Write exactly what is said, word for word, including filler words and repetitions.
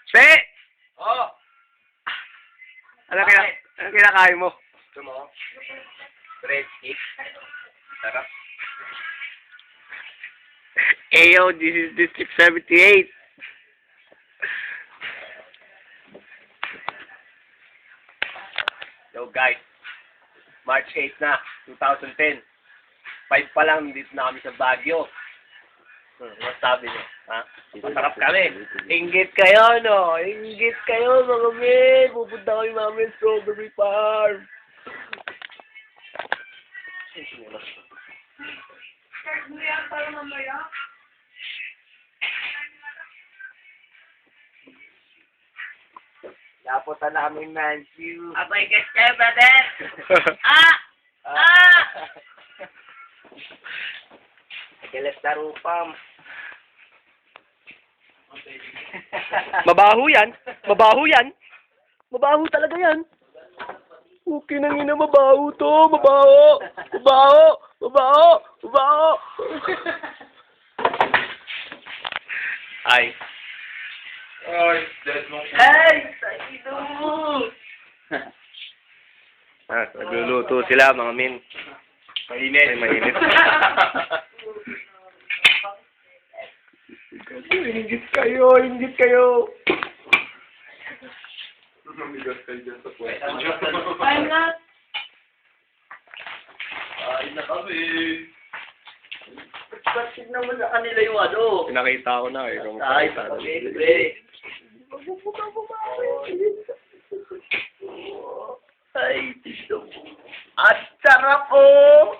Pe! Oh! Ano kina ano kinakain mo? Gusto mo? Bread stick. Sarap. Ayo, this is District seventy-eight. Yo guys, March eighth na, twenty ten. Five pa lang, dito na kami sa Baguio. Hmm, what sabi niyo? Ha? Masarap kami. Inggit kayo, no? Inggit kayo, mga men. Pupunta kami mami sa Strawberry Farm. Start mo yan para mamaya. Napunta na kami Manchu. Abay, guys kayo, brother! Ah! Ah! Nagalas na rupam. Mabaho yan. Mabaho yan. Mabaho talaga yan. Okay nang ina, mabaho to. Mabaho. Mabaho. Mabaho. Mabaho. Ay. Ay, dead mo. Ay! Sakido! Ah, nagluluto sila, mga min. Mainit. Ay, mainit. Ingit kayo, ingit kayo. Mamigas kayo dyan sa puwet. I'm not... Ay, na kami. Kasi naman sa kanila yung ano. Pinakita ko na eh. Kung Ay, makita. pagkakit, Ay, tito mo. At sarap oh!